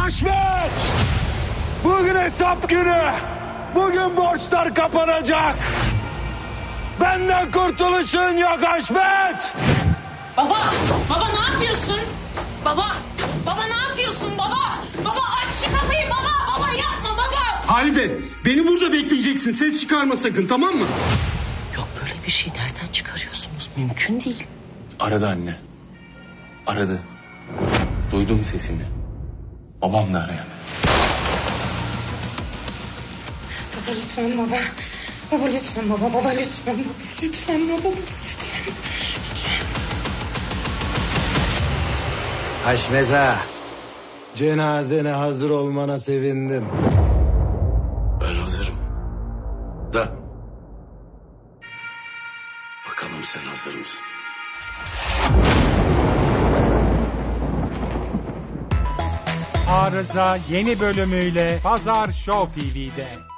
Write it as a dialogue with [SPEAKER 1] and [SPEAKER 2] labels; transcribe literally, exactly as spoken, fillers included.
[SPEAKER 1] Haşmet! Bugün hesap günü. Bugün borçlar kapanacak. Benden kurtuluşun yok Haşmet!
[SPEAKER 2] Baba! Baba ne yapıyorsun? Baba! Baba ne yapıyorsun baba? Baba aç şu kapıyı baba! Baba yapma baba!
[SPEAKER 3] Halide, beni burada bekleyeceksin. Ses çıkarma sakın, tamam mı?
[SPEAKER 2] Yok böyle bir şey nereden çıkarıyorsunuz? Mümkün değil.
[SPEAKER 4] Aradı anne. Aradı. Duydum sesini. Babam da arayan.
[SPEAKER 2] Baba lütfen baba. Baba lütfen baba. Baba lütfen baba. Lütfen baba. Baba lütfen. Lütfen.
[SPEAKER 1] Haşmet ağa, cenazene hazır olmana sevindim.
[SPEAKER 4] Ben hazırım. Da. Bakalım sen hazır mısın?
[SPEAKER 5] Arıza yeni bölümüyle Pazar Show T V'de.